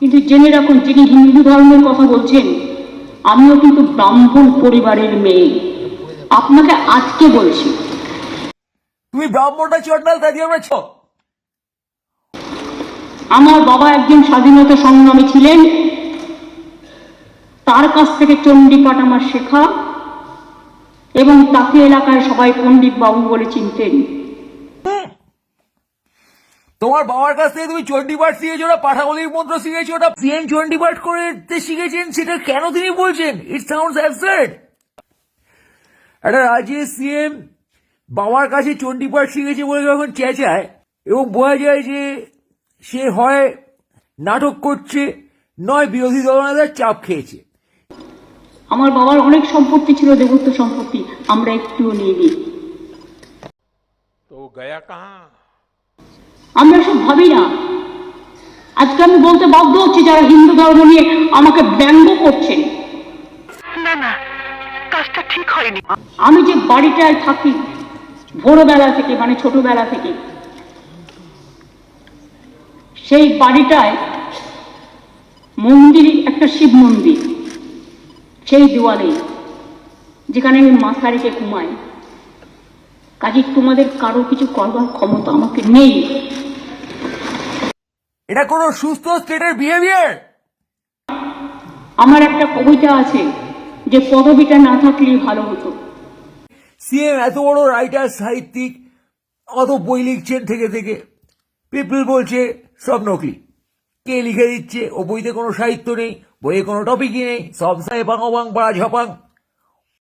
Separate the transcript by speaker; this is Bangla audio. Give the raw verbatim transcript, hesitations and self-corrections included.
Speaker 1: কিন্তু জেনে রাখুন, যিনি হিন্দু ধর্মের কথা বলছেন, আমিও কিন্তু ব্রাহ্মণ পরিবারের মেয়ে। আপনাকে আজকে বলছি,
Speaker 2: তুমি ব্রাহ্মণটা চটনাল তা দিয়ে আমরা ছ
Speaker 1: আমার বাবা একজন স্বাধীনতা সংগ্রামী ছিলেন, তার কাছ থেকে চণ্ডীপাঠ আমার শেখা, এবং তাকে এলাকায় সবাই পণ্ডিত বাবু বলে চিনতেন।
Speaker 2: তোমার বাবার কাছ থেকে তুমি চণ্ডীপাঠ শিখেছো, ওটা পাঠাবলির মন্ত্র শিখেছো, ওটা সিএন চণ্ডীপাঠ করে শিখেছেন, সেটা কেন তিনি বলছেন? It sounds absurd. একটা রাজ্যের সিএম বাবার কাছে চণ্ডীপাঠ শিখেছে বলে যখন চেঁচায়, এবং বোঝা যায় যে সে হয় নাটক করছে, নয় বিরোধী দলনেতার চাপ খেয়েছে।
Speaker 1: আমার বাবার অনেক সম্পত্তি ছিল, দেবত্ব সম্পত্তি, আমরা একটুও নিইনি।
Speaker 3: তো গয়া কাহা?
Speaker 1: আমরা সব ভাবি না। আজকে আমি বলতে বাধ্য হচ্ছি, যারা হিন্দু ধর্ম নিয়ে আমাকে ব্যঙ্গ করছেন,
Speaker 4: না না, কাজটা ঠিক হয়নি।
Speaker 1: আমি যে বাড়িটায় থাকি ভোরবেলা থেকে, মানে ছোটবেলা থেকে, সেই বাড়িটায় মন্দির, একটা শিব মন্দির, সেই দেওয়ালে যেখানে আমি মাথা রেখে ঘুমাই। কাজে তোমাদের কারো কিছু করবার ক্ষমতা আমাকে নেই।
Speaker 2: এটা কোনো সুস্থ স্টেটের বিহেভিয়ার?
Speaker 1: আমার একটা কবিতা আছে যে পদবিটা না থাকলেই ভালো হতো।
Speaker 2: সিএম এত বড় রাইটার, সাহিত্যিক, অত বই লিখছেন থেকে থেকে, পিপল বলছে সব নকলি। কে লিখে দিচ্ছে? ও বইতে কোনো সাহিত্য নেই, বইয়ে কোনো টপিকই নেই, সব সাহে বাং বাং পাড়া ঝপাং।